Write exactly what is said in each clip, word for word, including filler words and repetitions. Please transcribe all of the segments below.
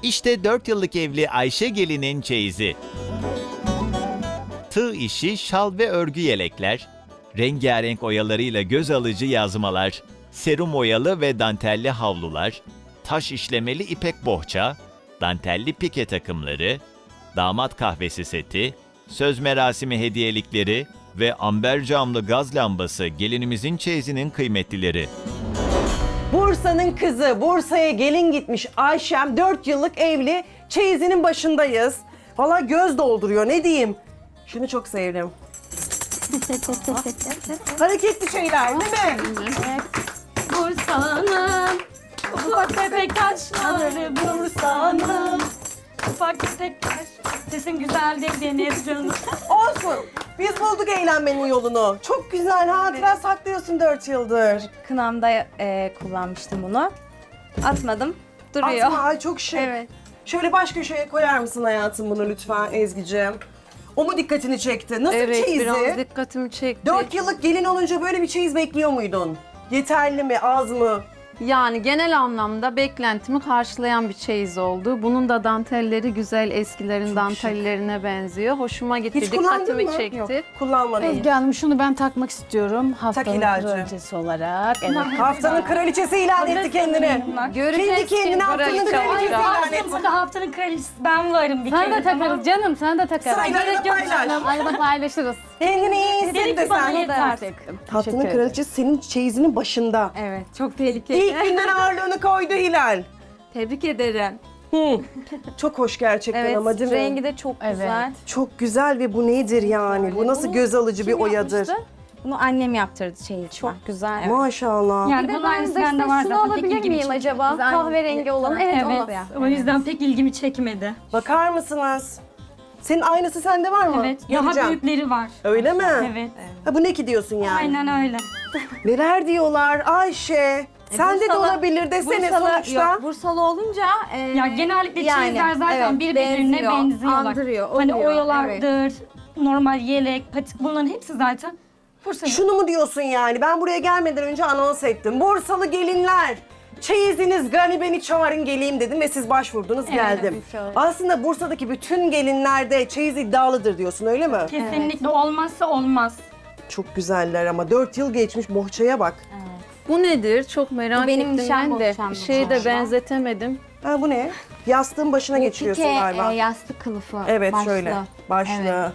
İşte dört yıllık evli Ayşe gelinin çeyizi. Tığ işi şal ve örgü yelekler, rengarenk oyalarıyla göz alıcı yazmalar, serum oyalı ve dantelli havlular, taş işlemeli ipek bohça, dantelli pike takımları, damat kahvesi seti, söz merasimi hediyelikleri ve amber camlı gaz lambası gelinimizin çeyizinin kıymetlileri. Bursa'nın kızı, Bursa'ya gelin gitmiş Ayşem, dört yıllık evli, çeyizinin başındayız. Valla göz dolduruyor, ne diyeyim? Şunu çok sevdim. Hareketli şeyler değil mi? Bursa'nın ufak tefek taşları Bursa'nın ufak tefek taş. Sesim güzel dediniz canım. Olsun. Biz bulduk eğlenmenin yolunu. Çok güzel hatıra saklıyorsun dört yıldır. Kınamda e, kullanmıştım bunu. Atmadım. Duruyor. Atma, ay çok şık. Evet. Şöyle baş köşeye koyar mısın hayatım bunu lütfen Ezgi'ciğim? O mu dikkatini çekti? Nasıl Evet, çeyizi? biraz dikkatimi çekti. Dört yıllık gelin olunca böyle bir çeyiz bekliyor muydun? Yeterli mi, az mı? Yani genel anlamda beklentimi karşılayan bir çeyiz oldu. Bunun da dantelleri güzel, eskilerin Çok dantellerine benziyor. Hoşuma gitti, Hiç kullandın dikkatimi mı? çekti. Yok, kullanmadın. Ezgi Hanım şunu ben takmak istiyorum haftanın ilacı. kraliçesi olarak. Evet. Haftanın kraliçesi ilan etti kendini. Göreceğiz Kendi kendine kim haftanın kraliçe kraliçesi olacak. ilan etti. Burada haftanın kraliçesi ben varım bir Sana kere. da takarız canım, sana da takarız. Sırayla Gerek yok paylaş. canım. Arada paylaşırız. Kendini iyi Dedik hisset de ki bana sen. yeter. Haftanın Teşekkür kraliçesi senin çeyizinin başında. Evet, çok tehlikeli. İlk günden ağırlığını koydu Hilal. Tebrik ederim. Hı. Çok hoş gerçekten Evet, ama değil mi? rengi de çok Evet. güzel. Çok güzel ve bu nedir yani? Bu nasıl göz alıcı bir Kim oyadır? yapmıştı? Bunu annem yaptırdı çeyiz. Çok güzel. Evet. Maşallah. Yani Bir de bunun ben aynısı de bende var şunu zaten. Pek alabilir ilgimi miyim çekmedi. acaba? Güzel. Kahverengi olan. Evet, onu Evet. da. O yüzden pek ilgimi çekmedi. Bakar mısınız? Senin aynısı sende var mı? Evet. Daha Göreceğim. büyükleri var. Öyle mi? Evet. Ha, bu ne ki diyorsun yani? Aynen öyle. Neler diyorlar Ayşe? Sende de Bursalı- olabilir desene Bursalı, sonuçta. Yok, Bursalı olunca... E, Ya genellikle yani, çeyizler zaten evet, birbirlerine benziyor, benziyorlar. andırıyor, Hani oluyor, oyalardır, normal yelek, patik bunların hepsi zaten Bursa'nın. Şunu mu diyorsun yani? Ben buraya gelmeden önce anons ettim. Bursalı gelinler, çeyiziniz gani beni çağırın geleyim dedim ve siz başvurdunuz geldim. Aslında Bursa'daki bütün gelinlerde çeyiz iddialıdır diyorsun öyle mi? Kesinlikle olmazsa olmaz. Çok güzeller ama dört yıl geçmiş bohçaya bak. Bu nedir? Çok merak Bu benim ettim nişan ben de. bohçam Bir şeye de galiba. benzetemedim. Ha bu ne? Yastığın başına geçiriyorsun Pike, galiba. e, yastık kılıfı. Evet başlı. şöyle. Başlı.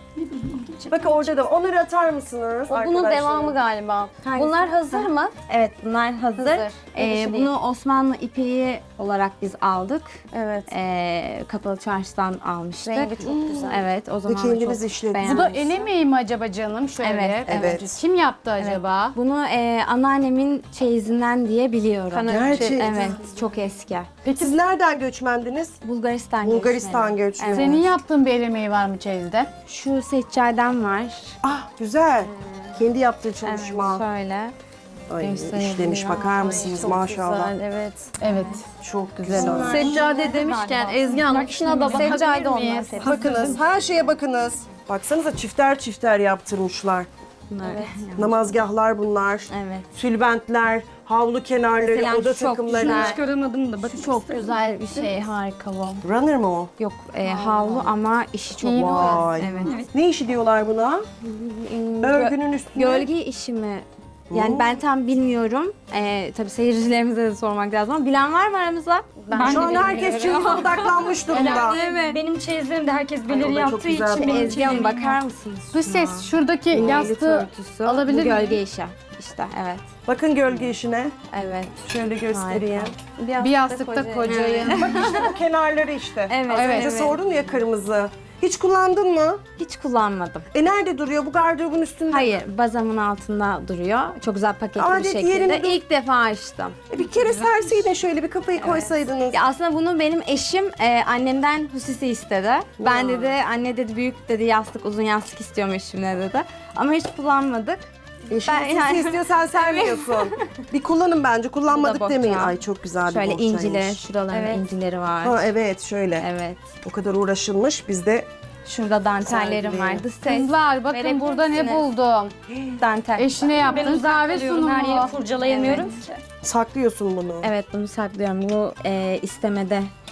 Bak orada da onları atar mısınız O bunun arkadaşlar? devamı galiba. Bunlar hazır mı? Evet, bunlar hazır. Hazır. Ee, Yedisi değil. bunu Osmanlı ipeği olarak biz aldık. Evet. Ee, Kapalı Çarşı'dan almıştık. Rengi çok güzel. Evet, o zaman kendiniz çok işlediniz. beğendim. Bu da el emeği mi acaba canım? Şöyle. Evet, evet. Kim yaptı acaba? Bunu e, anneannemin çeyizinden diye biliyorum. Gerçekten. Evet, çok eski. Peki siz nereden göçmendiniz? Bulgaristan Bulgaristan göçmeni. göçmeni. Senin yaptığın bir el emeği var mı çeyizde? Şu seccadem var. Ah güzel. Kendi yaptığı çalışma. Evet, şöyle. Ay gösterebilirim. işlemiş bakar mısınız maşallah. evet. Evet. Çok güzel olmuş. Seccade demişken Ezgi Hanım şuna da Seccade bakabilir onlar. miyiz? Bakınız her şeye bakınız. Baksanıza çifter çifter yaptırmışlar. Evet. Namazgahlar bunlar. Evet. Tülbentler, havlu kenarları, Mesela oda çok takımları. güzel. Çıkaramadım da bakın. Çok güzel bir şey, harika bu. Runner mı o? Yok, e, havlu ama işi çok İyi mi? Vay. Evet. Ne işi diyorlar buna? Hmm, gö- Örgünün üstüne. Gölge işi mi? Yani ben tam bilmiyorum. Ee, tabii seyircilerimize de sormak lazım ama bilen var mı aramızda? Ben Şu de an herkes çeyize odaklanmış durumda. Evet. Benim çeyizlerim de herkes bilir o da çok yaptığı güzel için bu. benim Ezgi Hanım çeyizlerim bakar yok. mısınız? Dış ses şuradaki Yastığı yastığı alabilir Bu miyim? gölge işi. İşte evet. Bakın gölge işine. Evet. Şöyle göstereyim. Bir yastıkta kocayı. Bak işte bu kenarları işte. Evet. Az önce evet. sordum ya kırmızı. Hiç kullandın mı? Hiç kullanmadım. E nerede duruyor? Bu gardırobun üstünde. Hayır, bazamın altında duruyor. Çok güzel paketli Adet bir şekilde. yerinde dur- İlk defa açtım. E bir kere serseydin şöyle bir kafayı koysaydınız. Ya aslında bunu benim eşim e, annemden hususi istedi. Ben dedi, anne dedi büyük dedi yastık, uzun yastık istiyorum eşimle dedi. Ama hiç kullanmadık. Eşin ben ben, yani- istiyorsan sermiyorsun. Bir kullanın bence. Kullanmadık Bu da demeyin. bohça. Ay çok güzel bir Şöyle bohçaymış. incileri, şuraların Evet. incileri var. Ha evet şöyle. Evet. O kadar uğraşılmış. Biz de Şurada dantellerim Sergili. var. Dış ses, Kızlar bakın Verebilir burada ne misiniz? buldum. dantel. Eşine Ben yaptığın uzak kahve kalıyorum, her yeri sunumu. kurcalayamıyorum ki. saklıyorsun bunu. Evet, bunu saklıyorum. Bu e, istemede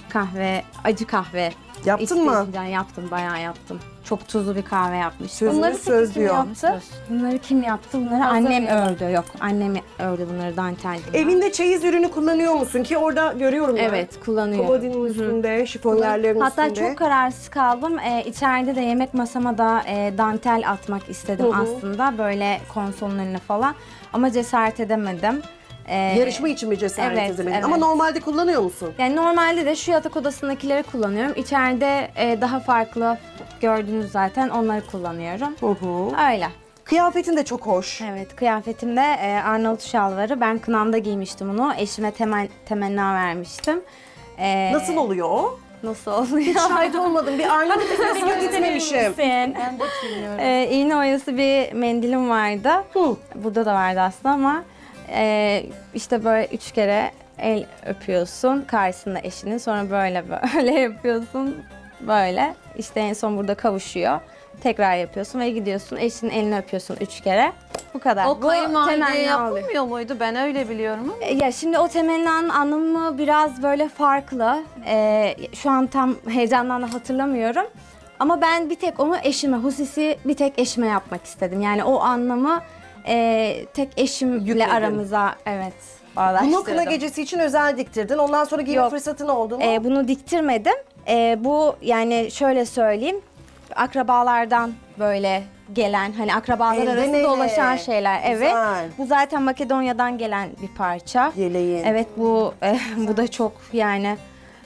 kahve, acı kahve. Yaptın mı? İçtiğimden yaptım, bayağı yaptım. Çok tuzlu bir kahve yapmıştım. Sözünü Bunları söz peki kim diyor. yaptı? Bunları kim yaptı? Bunları annem ördü. Yok, annem ördü bunları dantel. Evinde çeyiz ürünü kullanıyor musun ki orada görüyorum ben. Evet, kullanıyorum. Komodinin üstünde, şifonyerlerin Hatta üstünde. çok kararsız kaldım. Ee, içeride de yemek masama da e, dantel atmak istedim Hı hı. aslında. Böyle konsolun önüne falan. Ama cesaret edemedim. Ee, Yarışma için mi cesaret Evet, edemedin? evet. Ama normalde kullanıyor musun? Yani normalde de şu yatak odasındakileri kullanıyorum. İçeride e, daha farklı gördünüz zaten onları kullanıyorum. Hı hı. Öyle. Kıyafetin de çok hoş. Evet, kıyafetimde e, Arnavut şalvarı. Ben kınamda giymiştim onu. Eşime temel, temenna vermiştim. Ee, Nasıl oluyor o? Nasıl oluyor? Hiç şahit olmadım. Bir Arnavut esasına gitmemişim. Sen. Ee, iğne oyası bir mendilim vardı. Hı. Burada da vardı aslında ama e, işte böyle üç kere el öpüyorsun karşısında eşinin. Sonra böyle böyle yapıyorsun. Böyle. İşte en son burada kavuşuyor. Tekrar yapıyorsun ve gidiyorsun. Eşinin elini öpüyorsun üç kere. Bu kadar. O Bu kayınvalideye temenni oluyor. yapılmıyor muydu? Ben öyle biliyorum ama. E, Ya şimdi o temennanın anlamı biraz böyle farklı. Ee, şu an tam heyecandan da hatırlamıyorum. Ama ben bir tek onu eşime, hususi bir tek eşime yapmak istedim. Yani o anlamı e, tek eşimle Yükledin. aramıza evet Bunu bağdaştırdım. kına gecesi için özel diktirdin. Ondan sonra giyme Yok. fırsatın oldu mu? Ee, bunu diktirmedim. Ee, bu yani şöyle söyleyeyim. Akrabalardan böyle gelen hani akrabalar Elden arasında ele. dolaşan şeyler. Evet. Güzel. Bu zaten Makedonya'dan gelen bir parça. Yeleğin. Evet bu e, bu da çok yani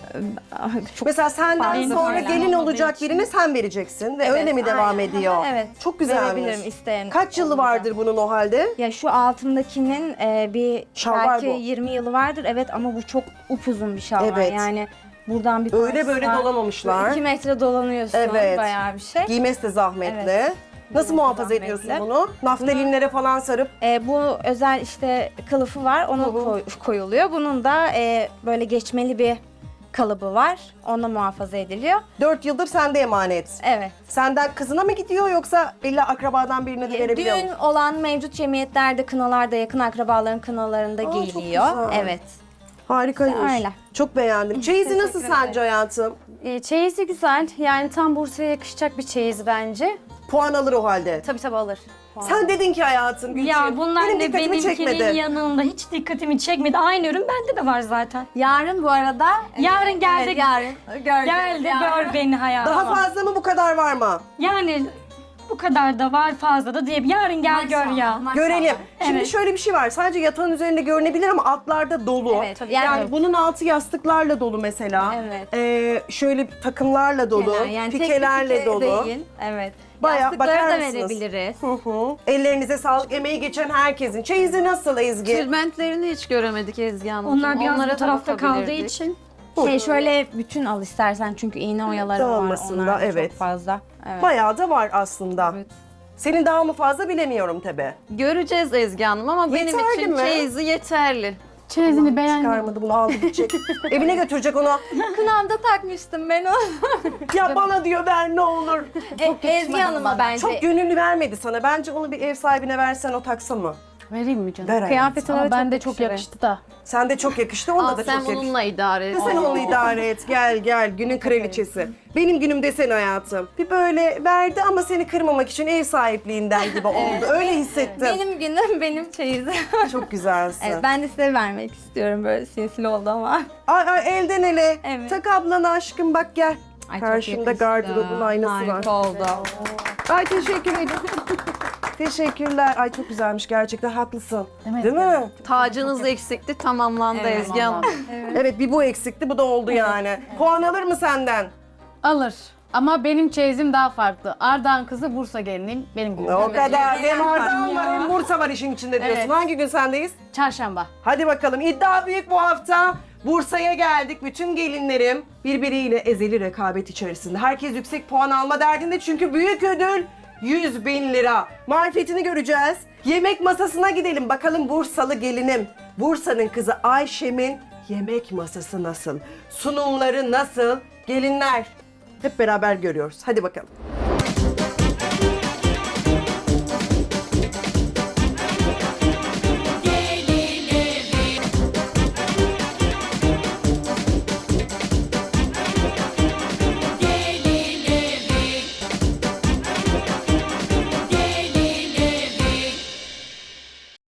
e, çok Mesela senden Farklı sonra şeyler gelin olmadığı olacak için. birine sen vereceksin ve Evet, öyle mi devam aynen. ediyor? Evet. Çok güzelmiş. verebilirim isteyen. Kaç yılı olursa. vardır bunun o halde? Ya şu altındakinin e, bir Şalvar belki bu. yirmi yılı vardır. Evet ama bu çok upuzun bir şalvar. Evet. Yani buradan bir Öyle parçası böyle var. dolamamışlar. iki metre dolanıyorsun. Evet. Bayağı bir şey. Giymesi de zahmetli. Evet. Nasıl Giymesi muhafaza zahmetli. ediyorsun bunu? Naftalinlere falan sarıp. E, bu özel işte kılıfı var. Ona Hı hı. koy- koyuluyor. Bunun da e, böyle geçmeli bir kalıbı var. Onunla muhafaza ediliyor. Dört yıldır sende emanet. Evet. Senden kızına mı gidiyor yoksa illa akrabadan birine de verebiliyor Düğün musun? olan mevcut cemiyetlerde, kınalarda, yakın akrabaların kınalarında Aa, çok giyiliyor. güzel. Evet. Harikaymış. Öyle. Çok beğendim. Çeyizi nasıl sence hayatım? E, çeyizi güzel. Yani tam Bursa'ya yakışacak bir çeyiz bence. Puan alır o halde. Tabii tabii alır. Sen dedin ki hayatım Gülçin, Ya bunlar benim ne dikkatimi benimkinin çekmedi. yanında hiç dikkatimi çekmedi. Aynı ürün bende de var zaten. Yarın bu arada. Yarın geldi. Evet, yarın. Gördüm. Geldi gör beni hayatım. Daha fazla mı bu kadar var mı? Yani bu kadar da var fazla da diye. Yarın gel gör ya. Görelim. Şimdi Evet. şöyle bir şey var. Sadece yatağın üzerinde görünebilir ama altlarda dolu. Evet, tabii. Yani, Yani- bunun altı yastıklarla dolu mesela. Evet. Ee, şöyle takımlarla dolu, Yani tek bir pikelerle pike dolu. Değil. Evet. Bayağı Yastıkları bakar da mısınız? verebiliriz. Hı hı. Ellerinize sağlık, emeği geçen herkesin. Çeyizi nasıl Ezgi? Tülbentlerini hiç göremedik Ezgi Hanım. Onlar biraz Onlara bu da tarafta kaldığı bakabilirdik. için. Şey şöyle bütün al istersen çünkü iğne oyaları var. Dağılmasın da, Onlar da evet. çok fazla. Evet. Bayağı da var aslında. Evet. Senin daha mı fazla bilemiyorum tabii. Göreceğiz Ezgi Hanım ama benim Yeterli için mi? çeyizi yeterli. Çeyizini beğendim. Çıkarmadı bunu aldı gidecek. Evine götürecek onu. Kınamda takmıştım ben onu. Ya bana diyor ver ne olur. E, Ezgi Hanım'a bence. Çok gönüllü vermedi sana. Bence onu bir ev sahibine versen o taksa mı? Vereyim mi canım? Ver hayatım. Kıyafeti Ama çok ben de çok yakışır. yakıştı da. Sen de çok yakıştı, onda Al da sen çok yakıştı. bununla idare et. Sen onu idare et. Gel gel günün kraliçesi. Benim günüm desen hayatım. Bir böyle verdi ama seni kırmamak için ev sahipliğinden gibi oldu. Öyle hissettim. Benim günüm benim çeyizim. Çok güzelsin. Evet, ben de size vermek istiyorum böyle sinsi oldu ama. Ay ay elden ele. Evet. Tak ablana aşkım bak gel. Ay, çok Karşımda yakıştı. gardırobun aynası var. Harika oldu. Ay teşekkür ederim. Teşekkürler. Ay çok güzelmiş gerçekten haklısın. Değil Değil mi? mi? Tacınız eksikti, tamamlandı Evet, Ezgi Hanım. Evet bir bu eksikti bu da oldu yani. Puan alır mı senden? Alır. Ama benim çeyizim daha farklı. Ardahan kızı Bursa geliniyim. Benim günüm. O kadar. Hem Ardahan var hem Bursa var işin içinde diyorsun. Evet. Hangi gün sendeyiz? Çarşamba. Hadi bakalım iddia büyük bu hafta. Bursa'ya geldik. Bütün gelinlerim birbiriyle ezeli rekabet içerisinde. Herkes yüksek puan alma derdinde çünkü büyük ödül yüz bin lira. Marifetini göreceğiz. Yemek masasına gidelim. Bakalım Bursalı gelinim, Bursa'nın kızı Ayşem'in yemek masası nasıl? Sunumları nasıl? Gelinler hep beraber görüyoruz. Hadi bakalım.